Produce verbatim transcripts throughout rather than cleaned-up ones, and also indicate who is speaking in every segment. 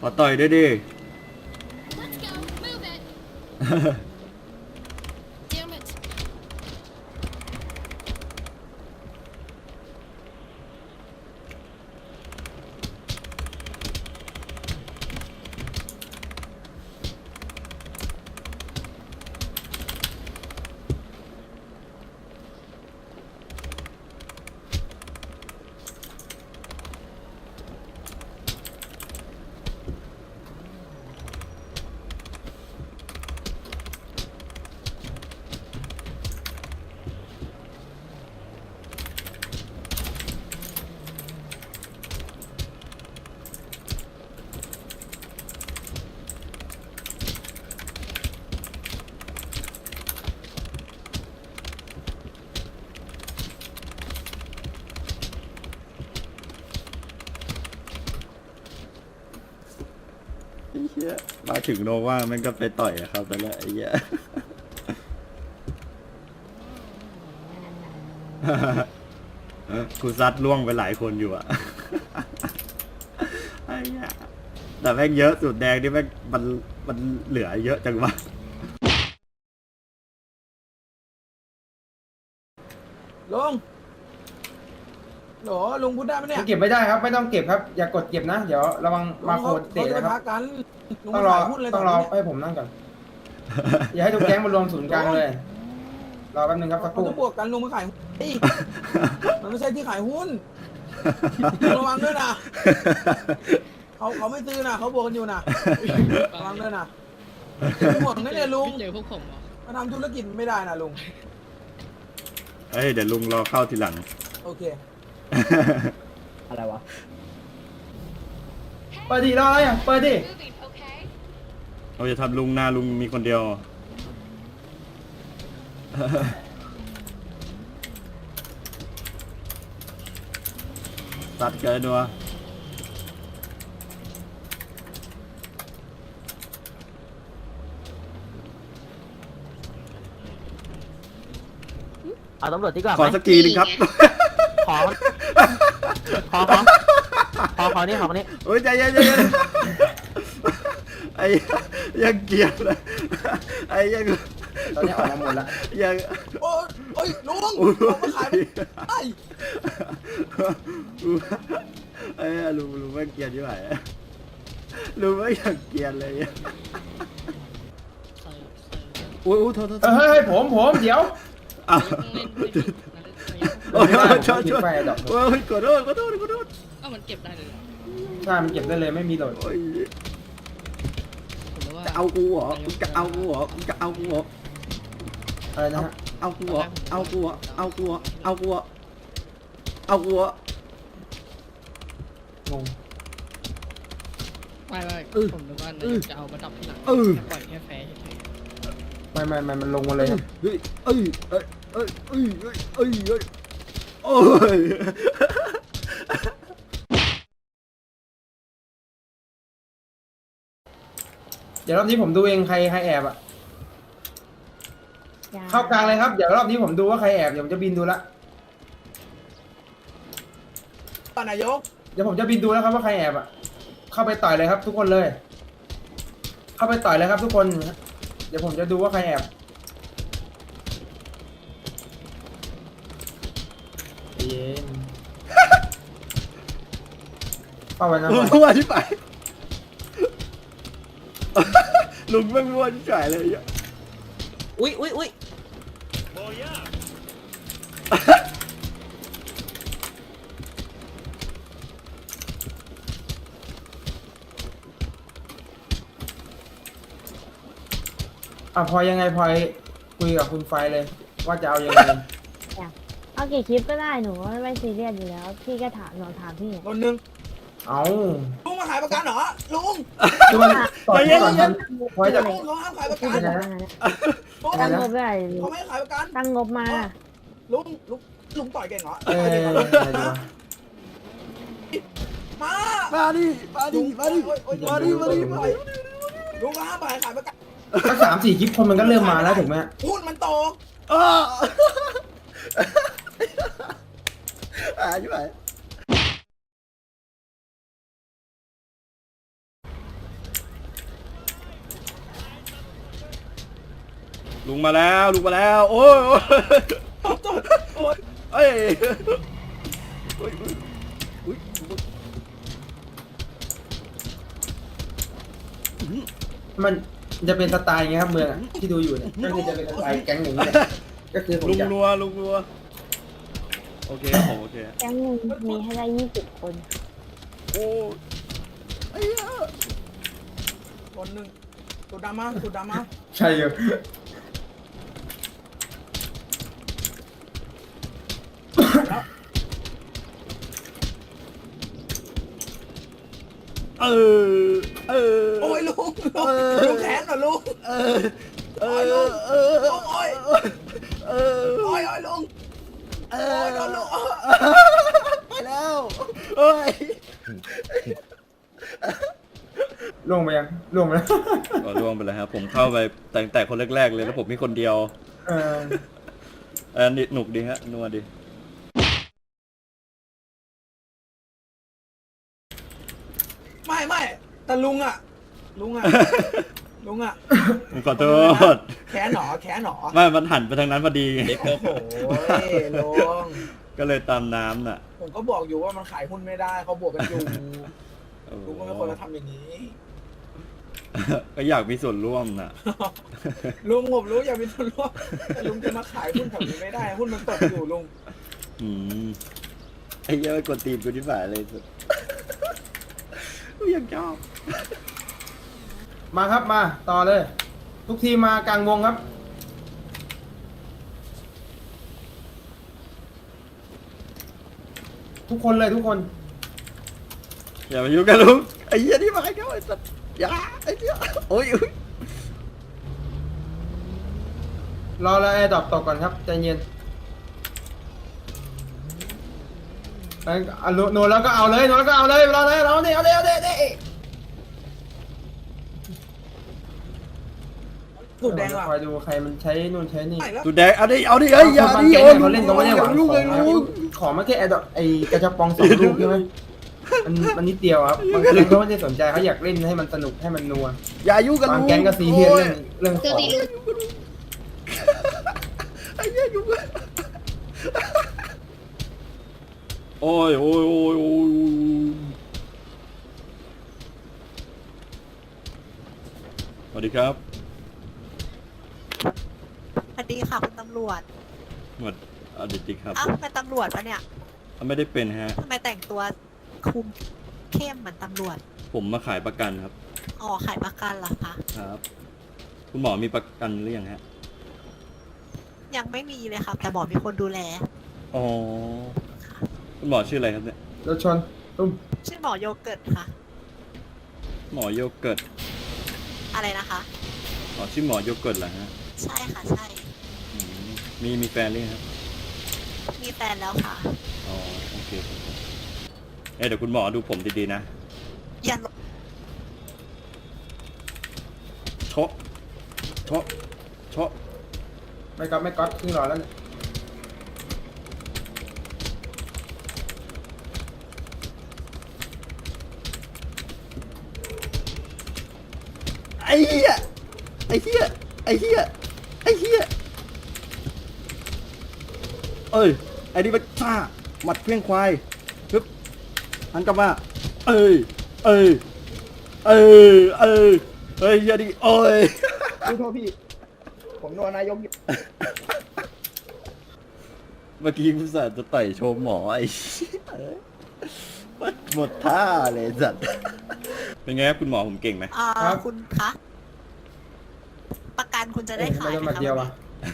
Speaker 1: ขอต่อยด้วยดิ ไอ้เหี้ยมาถึงโนว่ามันก็ไปต่อยอะครับแต่ละไอ้เหี้ย กูซัดล่วงไปหลายคนอยู่อะ ไอ้เหี้ยแต่แม่งเยอะสุดแดงนี่แม่งมันมันเหลือเยอะจังวะ
Speaker 2: ลุงโหลลุงพูดได้ไหมเนี่ย
Speaker 3: เก็บไม่ได้ครับไม่ต้องเก็บครับอย่ากดเก็บนะเดี๋ยวระวังมาโคดเตะ
Speaker 2: เขาจะ
Speaker 3: นะค
Speaker 2: พั
Speaker 3: รับ
Speaker 2: กกันลุง
Speaker 3: ต้องรอ
Speaker 2: ขายหุ้นเลย
Speaker 3: ต้องรอให้ผมนั่งก่อน อย่าให้ทุกแก๊งมารวมศูนย์กลางเลยรอแป๊บนึงครับสักค
Speaker 2: เขา
Speaker 3: รู่
Speaker 2: จะบวกกันลุงมาขายหุ้นเฮ้ยมันไม่ใช่ที่ขายหุ้นระวังด้วยนะเขาเขาไม่ซื้อนะเขาบวกกันอยู่นะระวังด้วยนะห่วงนะเนี่ยลุง
Speaker 4: เจอพวกผมเหรอ
Speaker 2: มาทำธุรกิจไม่ได้นะลุง
Speaker 1: เฮ้ยเดี๋ยวลุงรอเข้าทีหลัง
Speaker 2: โอเค
Speaker 5: อะไรวะ
Speaker 3: เปิดดิรออะไรอ่ะเปิดดิ
Speaker 1: เราจะทำลุงหน้าลุงมีคนเดียว ตัดเกินวะ
Speaker 5: เอาตำรวจดีกว่าไห
Speaker 1: ข
Speaker 5: ม
Speaker 1: อสักทีนึงครับ
Speaker 5: ขอ ขอ ขอ ขอ ขอนี่ขอนี่
Speaker 1: โอ้ยใจเย็นใจเย็นไอ้ยังเกลียดเลยไอ้ยัง
Speaker 3: ตอนนี้ออกมาหมดแล้ว
Speaker 1: ยัง
Speaker 2: โอ้ยโอ้ยลุง
Speaker 1: โอ้ย
Speaker 2: เอามาขายไม่ได้
Speaker 1: ไอ้ลุงลุงไม่เกลียดใช่ไหมลุงไม่อยากเกลียดเลย
Speaker 4: ใครใคร
Speaker 1: โอ้ยโอ้ยโทษโทษ
Speaker 3: เออเฮ้ยผมผมเดี๋ยว
Speaker 1: อ้าว
Speaker 4: เล่นไม่ได้นะ
Speaker 1: โอ้ยโอ้ยโทษโทษ
Speaker 3: ไฟดอก
Speaker 1: โอ้ยขอโทษขอโทษขอโทษ
Speaker 4: เอ้ามันเก็บได้เลยเหรอ
Speaker 3: ใช่มันเก็บได้เลยไม่มีโหลด
Speaker 1: โอ้ย
Speaker 4: ผมนึกว่า
Speaker 1: จะเอากูเหรอมึงจะเอากูเหรอมึงจะเอากูเหรอ
Speaker 3: อะไรนะฮะ
Speaker 1: เอากูเหรอเอากูเหรอเอากูเหรอเอากูเหรอเอากูเหรอง
Speaker 3: ง
Speaker 4: ไม่ไม่ผมนึกว่านายกจะเอามาดับที่หลัง
Speaker 1: เออ
Speaker 4: ปล่อยแค่แฟร์เฉย
Speaker 3: ไม่ไม่ไม่มันลงมาเลยครับ
Speaker 1: เฮ้ยเอ้ยเอ้ยเอ้ยเอ้ยเอ้ยเอ้ยเอ้ยโอ้ย
Speaker 3: เดี๋ยวรอบนี้ผมดูเองใครใครแอบอ่ะเข้ากลางเลยครับเดี๋ยวรอบนี้ผมดูว่าใครแอบเดี๋ยวผมจะบินดูละ
Speaker 2: ตอนนายก
Speaker 3: เดี๋ยวผมจะบินดูแล้วครับว่าใครแอบอ่ะเข้าไปต่อยเลยครับ ทุกคนเลย เข้าไปต่อยเลยครับ ทุกคน เดี๋ยวผมจะดูว่าใครแอบเย็นเข้าไปนะ
Speaker 1: ลุงมั่วที่ไปลุงไม่มั่วที่จ่ายเลยอ่ะ
Speaker 5: อุ้ยอุ้ยอุ้ย
Speaker 3: อ่ะพลอยยังไงพลอยคุยกับคุณไฟเลย ว่าจะเอายังไง
Speaker 6: เอากี่คลิปก็ได้หนูว่าไม่ซีเรียสอยู่แล้ว พี่ก็ถามหนูถามพี่
Speaker 2: คนหนึ่ง
Speaker 3: เอา
Speaker 2: ลุงมาขายประกันเหรอลุง
Speaker 3: คือมันต่อยก่อนมันพลอยจะ
Speaker 2: ลุงเขาห้ามขายประ
Speaker 6: พี่
Speaker 2: กัน
Speaker 6: จะบอกว่าไงนะ
Speaker 2: ลุง
Speaker 6: ตั้งงบได้
Speaker 2: เขาไม่ให้ขายประกัน
Speaker 6: ตั้งงบมา
Speaker 2: ลุงลุงลุงต่อยเก่งเหรอ
Speaker 3: เอออะไรดีวะ
Speaker 2: มา
Speaker 1: มาดิมาดิมาดิ
Speaker 2: โอ๊ยโอ๊ย
Speaker 1: มาดิมาดิมาดิ
Speaker 2: ลุงก็ห้ามขายขายประกัน
Speaker 3: สักสามสี่คลิปคนมันก็เริ่มมาแล้วถูกไหม
Speaker 2: หุ้นมันโต
Speaker 1: อ้าอ่าใช่ไหมมาแล้วลุงมาแล้วโอ้ยโอ้ย
Speaker 2: โอ๊ย
Speaker 1: เอ้ยโอ้ยโอ้ยโอ้ย
Speaker 3: มันจะเป็นสไตล์ไงครับเมืองอะที่ดูอยู่เนี่ยก็คือจะเป็นสไตล์แก๊งอย่างนี้เนี่ยก็คือผม
Speaker 1: ลุง
Speaker 3: จะ
Speaker 1: รัวลุงรัวโอเคครับผมโอเค
Speaker 6: แก๊งหนึ่งมีให้ได้ยี่สิบคน
Speaker 1: โอ้ยไอ้เหี้ย
Speaker 2: คนหนึ่งสุดดำมาสุดดำมา
Speaker 3: ใช่อยู่
Speaker 1: เออเออ
Speaker 2: โอ้ยลุงลุง
Speaker 1: เออ
Speaker 2: ลุงแขนเหรอลุง
Speaker 1: เออเออเออ
Speaker 2: โอ้ย
Speaker 1: เออ
Speaker 2: โอ้ยโอ้ยลุง
Speaker 1: เอ
Speaker 2: โอ้
Speaker 1: อย
Speaker 2: โดนลุง
Speaker 1: ไปแล้วเอ้ย
Speaker 3: ล่วงไปยังล่วงไปแล้ว
Speaker 1: ก็ล่วงไปแล้วครับผมเข้าไปแต่งแต่คนแรกๆเลยแล้วผมมีคนเดียว
Speaker 3: เออ
Speaker 1: เออนี่หนุกดีฮะนัวดี
Speaker 2: ไม่ไม่แต่ลุงอ่ะ ลุงอ่ะ ลุงอ่ะ
Speaker 1: ผมขอโทษ
Speaker 2: แขนหนอแขนหนอ
Speaker 1: ไม่มันหันไปทางนั้นพอดีไง
Speaker 2: โอ้โหลุง
Speaker 1: ก็เลยตามน้ำน่ะ
Speaker 2: ผมก็บอกอยู่ว่ามันขายหุ้นไม่ได้เขาบวกกันอยู่
Speaker 1: โอ้
Speaker 2: ลุงก็ไม่ควรจะทำอย่างนี้
Speaker 1: ก็อยากมีส่วนร่วมน่ะ
Speaker 2: ลุงผมรู้อย่ามีส่วนร่วมแต่ลุงจะมาขายหุ้นแถวนี้ไม่ได้หุ้นมันตกอยู่ลุง
Speaker 1: อืมไอ้เหี้ยอะกดตีมกูที่ฝ่ายเลยสุดกูยังชอบ
Speaker 3: มาครับมาต่อเลย ทุกทีมมากลางวงครับ ทุกคนเลยทุกคน
Speaker 1: อย่ามายุ่งกันลุงไอ้เหี้ยนี่มาให้เขาไอ้สัตว์อย่าไอ้เหี้ยโอ้ยอุ๊ย
Speaker 3: รอแล้วแอร์ดรอปตกก่อนครับใจเย็นเอ้ยอ่ะโนโนแล้วก็เอาเลยโนแล้วก็เอาเลยรอเลยเอาดิเอาดิเอาดิเอาดิ
Speaker 2: สุดแดงว่ะ
Speaker 3: คอยดูใครมันใช้นู่นใช้นี่
Speaker 2: ไหนแล้ว
Speaker 1: ตูแดงเอาดิเอาดิเอ้ยอย่า
Speaker 3: บาง
Speaker 1: ดิ
Speaker 3: แก๊ง
Speaker 1: โอ้
Speaker 3: เนี่ย
Speaker 1: ย
Speaker 3: เขาเล่นเขาไม่ได้หวัง
Speaker 1: ลุง
Speaker 3: ข
Speaker 1: เล
Speaker 3: อย งนะ
Speaker 1: ลุง
Speaker 3: ขอมาแค่แอร์ดรอปไอ้กระชับปองสองลูกใช่ไหมมันมันนิดเดียวครับบางแก๊งเขาไม่ได้สนใจเขาอยากเล่นให้มันสนุกให้มันนัว
Speaker 1: อย่ายุ่งกัน
Speaker 3: บา
Speaker 1: ลุ
Speaker 3: ง
Speaker 1: ง
Speaker 3: แก๊งก็ซีเรียสเรื่องเรื่องข
Speaker 4: เจอ
Speaker 3: อง
Speaker 4: ตีลุง
Speaker 1: ไอ้เหี้ยยุ่งกันโอ้ยโอ้ยโอ้ยโอ้ยสวัสดีครับ
Speaker 7: สวัสดีค่ะคุณตำรวจ
Speaker 1: หมวดอดิติครับ
Speaker 7: อ้าวเป็นตำรวจปะเนี่ย
Speaker 1: ไม่ได้เป็นฮะ
Speaker 7: ทำไมแต่งตัวคุมเข้มเหมือนตำรวจ
Speaker 1: ผมมาขายประกันครับ
Speaker 7: อ๋อขายประกันเหรอคะ
Speaker 1: ครับ คุณหมอมีประกันหรือยังฮะ
Speaker 7: ยังไม่มีเลยครับแต่บอกมีคนดูแล
Speaker 1: อ๋อ คุณหมอชื่ออะไรครับเนี่ย
Speaker 3: รถชนตุ้ม
Speaker 7: ชื่อหมอโยเกิร์ตค่ะ
Speaker 1: หมอโยเกิร์ต
Speaker 7: อะไรนะคะ
Speaker 1: อ๋อชื่อหมอโยเกิร์ตเหรอฮะ
Speaker 7: ใช่ค่ะใช่
Speaker 1: อืมมีมีแฟนหรือยังครับ
Speaker 7: มีแฟนแล้วค่ะ
Speaker 1: อ๋อ โอเคครับเอ้ยเดี๋ยวคุณหมอดูผมดีๆนะ
Speaker 7: อย่าล
Speaker 1: โชะโชะโชะ
Speaker 3: ไม่ก๊อตไม่ก๊อตขึ้นรอแล้วเนี่ย
Speaker 1: ไอ้เหี้ย ไอ้เหี้ย ไอ้เหี้ย ไอ้เหี้ย เอ้ย ไอ้นี่มันซ่าหมัดเพี้ยงควายปึ๊บหันกลับมา เอ้ย เอ้ย เอ้ย เอ้ย เฮ้ยอย่าดิโอ้ย
Speaker 2: โทษพี่ ผมโดนนายก
Speaker 1: เมื่อกี้คุณสารจะต่อยโชว์หมอไอ้เหี้ยเอ้ยหมดท่าเลยสัตว์ เป็นไงครับคุณหมอผมเก่งไหม
Speaker 7: อ่าคุณคะประกันคุณจะได้ขาย
Speaker 3: ไม่
Speaker 7: ไหม
Speaker 3: มา
Speaker 7: คะ
Speaker 3: เดียว
Speaker 7: วัน
Speaker 3: อ่ะ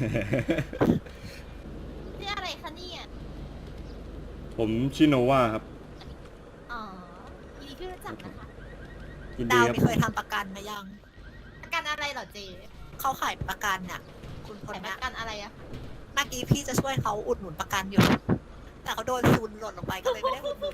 Speaker 7: นี้นี่อะไรคะเนี่ย
Speaker 1: ผมชื่อโนวาครับ
Speaker 7: อ๋อยินดีที่รู้จักนะคะ
Speaker 1: ยินดี
Speaker 7: ดาว
Speaker 1: ครับ
Speaker 7: มีเคยทำประกันไหมยัง ประกันอะไรเหรอเจเขาขายประกันน่ะ คุณคนนี้ประกันอะไรอะเมื่อกี้พี่จะช่วยเขาอุดหนุนประกันอยู่ แต่เขาโดนซูนหล่นลงไปก็เลยไม่ได้อุดหนุน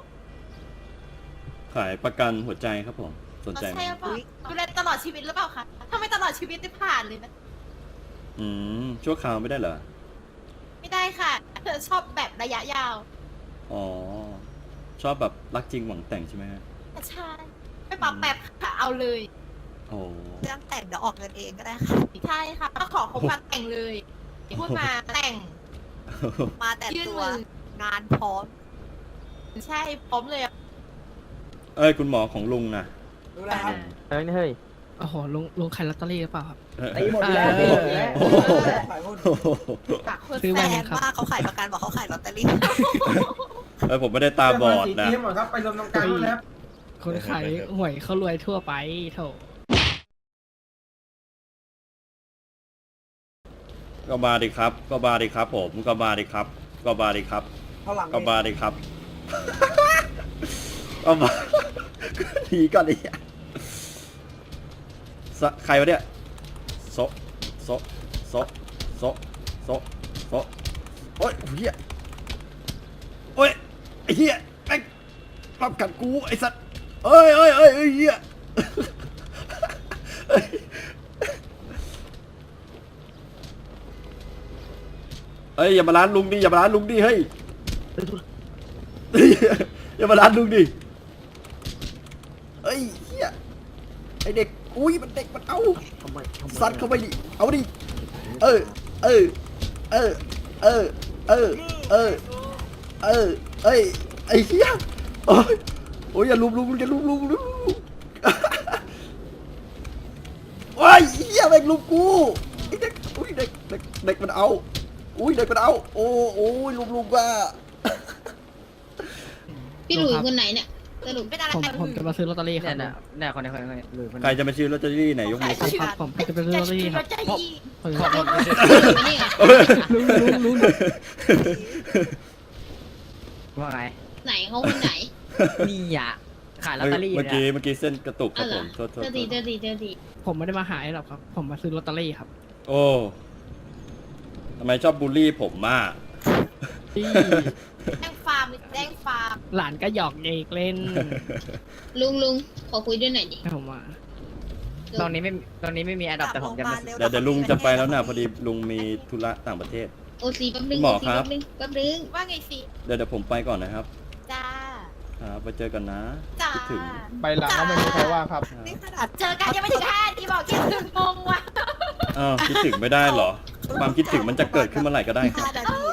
Speaker 1: ขายประกันหัวใจครับผม สนใจไหม
Speaker 8: ใช่หรือเปล่าดูแลตลอดชีวิตหรือเปล่าคะถ้าไม่ตลอดชีวิตได้ผ่านเลยนะ
Speaker 1: อืม ชั่วคราวไม่ได้เหรอ
Speaker 8: ไม่ได้ค่ะเธอชอบแบบระยะยาว
Speaker 1: อ๋อ ชอบแบบรักจริงหวังแต่งใช่ไหมฮะ
Speaker 8: ใช่ไม่ปรับแบบค่ะเอาเลย
Speaker 1: อโอ้
Speaker 7: เรื่องแต่งเดี๋ยวออกเงินเองก็ได้ค่ะ
Speaker 8: ใช่ค่ะก็ขอคบกันแต่งเลย พูดมาแต่ง
Speaker 7: มาแต่
Speaker 8: ยื่น
Speaker 7: ตัว
Speaker 8: มือ
Speaker 7: งานพร้อม
Speaker 8: ใช่พร้อมเลยอะ
Speaker 1: เอ้ยคุณหมอของลุงนะ
Speaker 2: ดูแลครับ
Speaker 5: เฮ้ยเฮ้ย
Speaker 4: โอ้โหลุงลุงขายลอตเตอรี่หรือเปล่าครับ
Speaker 3: ตีหมดแล้วตีหมดแล้ว
Speaker 1: โอ้โห
Speaker 2: ขายหุ้น
Speaker 1: โอ้โห
Speaker 8: จากคน
Speaker 4: ซื้อ
Speaker 7: แฟ
Speaker 4: ไว้
Speaker 7: น
Speaker 4: ครับ
Speaker 7: ว่าเขาขายประกันบอกเขาขายลอตเตอรี่
Speaker 1: เอ้ยผมไม่ได้ตาบอดนะ
Speaker 3: ตีให้หมดครับไปรวมตรงกลางนู่นนะครับ
Speaker 4: คนขายหวยเขารวยทั่วไปโถ
Speaker 1: ก็มาดิครับ ก็มาดิครับ ผมก็มาดิครับ ก็มาดิครับ
Speaker 2: เท่าหลัง
Speaker 1: ก็มาดิครับ ก็มาหนีก่อนดิสะใครวะเนี่ยโซะโซะโซะโซะโซะโซะโอ้ยเฮียโอ้ยไอ้เฮียไอ้รับกัดกูไอ้สัตว์เอ้ยเอ้ยเอ้ยเอ้ยเฮียเอ้ยเอ้ยอย่ามาล้านลุงดิอย่ามาล้านลุงดิเฮ้ยอย่ามาล้านลุงดิเอ้ยเฮียไอเด็กอุ้ยมันเด็กมันเอาซัดเข้าไปดิเอาดิเออเออเออเออเออเออเออเอ้ยไอ้เฮียโอ้ยโอ้ยอย่าลุมลุมอย่าลุมลุมลุมโอ้ยเฮียแม่งลุมกูไอเด็กอุ้ยเด็กเด็กเด็กมันเอาอุ้ยเด็กมันเอาโอ้โอ้ยลุมลุมว่า
Speaker 9: พี่หลุยคนไหนเนี่ยสรุป
Speaker 8: เป็นอะไร
Speaker 4: ผม
Speaker 8: กัน
Speaker 4: ผมจะมาซื้อลอตเตอรี่ค
Speaker 5: เนี่
Speaker 4: รั
Speaker 5: ย
Speaker 4: บ
Speaker 5: เนี่ยเนี่ยคนนี้คนนี้คนนี้หรือคน
Speaker 1: ใครจะมาซื้อลอตเตอรี่ไหนยกมือ
Speaker 8: ขาย
Speaker 1: ขึ้น
Speaker 8: เชื
Speaker 4: ค
Speaker 8: อ
Speaker 4: รับผมจะไปซื้อลอตเตอรี่ครับ
Speaker 8: ใจดี
Speaker 4: ผม
Speaker 5: ขอบคุณ
Speaker 9: นี่อ่ะ
Speaker 4: ลุงลุงลุง
Speaker 5: ว่าไง
Speaker 9: ไหนเขาคนไหน
Speaker 5: นี่อ่ะขายลอตเตอรี่
Speaker 1: เมื่อกี้
Speaker 5: เนี่ย
Speaker 1: เมื่อกี้เส้นกระตุกค
Speaker 9: อ๋
Speaker 1: รั
Speaker 9: อบ เหรอ
Speaker 1: ผมโทษโทษ
Speaker 9: เจอ
Speaker 1: โท
Speaker 9: ดี
Speaker 1: ษ
Speaker 9: เจอดีเจอดี
Speaker 4: ผมไม่ได้มาหายหรอกครับ ผมมาซื้อลอตเตอรี่ครับ
Speaker 1: โอ้ทำไมชอบบูลลี่ผมมาก
Speaker 4: ที่
Speaker 8: แจ้งฟาร์มแจ้งฟาร์ม
Speaker 4: หลานก็หยอกเด็กเล่น
Speaker 9: ลุงลุงขอคุยด้วยหน่อยดิ
Speaker 4: ให้ผมมา
Speaker 5: ตรงนี้ไม่ตรงนี้ไม่มีอันดับแต่ผมจะมา
Speaker 1: เดี๋ยวเดี๋ยวลุงจะไปแล้วนะพอดีลุงมีธุระต่างประเทศ
Speaker 9: โอซีแป๊บนึง
Speaker 1: หมอ
Speaker 9: โอซี
Speaker 1: ครับ
Speaker 9: แป๊บนึงแป๊บนึง
Speaker 8: ว่าไงสิ
Speaker 1: เดี๋ยวเดี๋ยวผมไปก่อนนะครับ
Speaker 8: จ้า
Speaker 1: ครับไปเจอกันนะ
Speaker 8: จ้า
Speaker 1: คิดถึง
Speaker 2: ไปหลังก็ไม่มีใครว่าครับ
Speaker 7: นี่ขนาด
Speaker 8: เจอกันยังไม่ถึงห้าทีบอกคิดถึงงงว่ะ
Speaker 1: อ้าวคิดถึงไม่ได้เหรอ ความคิดถึงมันจะเกิดขึ้นเมื่อไหร่ก็ได้ครับ
Speaker 7: ห้านาที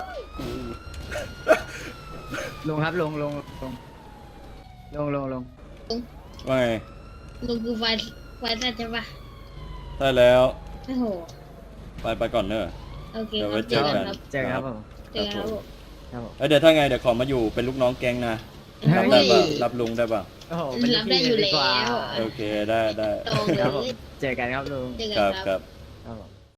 Speaker 5: ลงครับลงลงลงลงลงลง
Speaker 1: ว่าไง
Speaker 9: ลุงคือไฟไฟสัตว์ใช่ปะ
Speaker 1: ได้แล้ว
Speaker 9: โอ้โห
Speaker 1: ไปไปก่อนเนอะ
Speaker 9: โอเค
Speaker 1: เดี๋ยว
Speaker 9: ค
Speaker 1: ไว้
Speaker 9: รับเจอกันครับ
Speaker 5: เจอกันครับผม
Speaker 9: เจอกันครับผม
Speaker 5: ครับผม
Speaker 1: เอ้ยเดี๋ยวถ้าไงเดี๋ยวขอมาอยู่เป็นลูกน้องแก๊งนะ
Speaker 5: เฮ้
Speaker 1: รับ
Speaker 5: ย
Speaker 1: ได้ป่ะรับลุงได้ป่ะ
Speaker 5: โอ้โหเป็น
Speaker 9: รับได้อยู่
Speaker 5: พี่ดีกว่า
Speaker 9: แล้ว
Speaker 1: โอเคได้ได้
Speaker 9: ตรงเล
Speaker 5: ครับผม
Speaker 9: ย
Speaker 5: เจอกันครับลุง
Speaker 9: เจอกัน
Speaker 1: ครับ
Speaker 9: ค
Speaker 1: ค
Speaker 9: รั
Speaker 1: รับ บ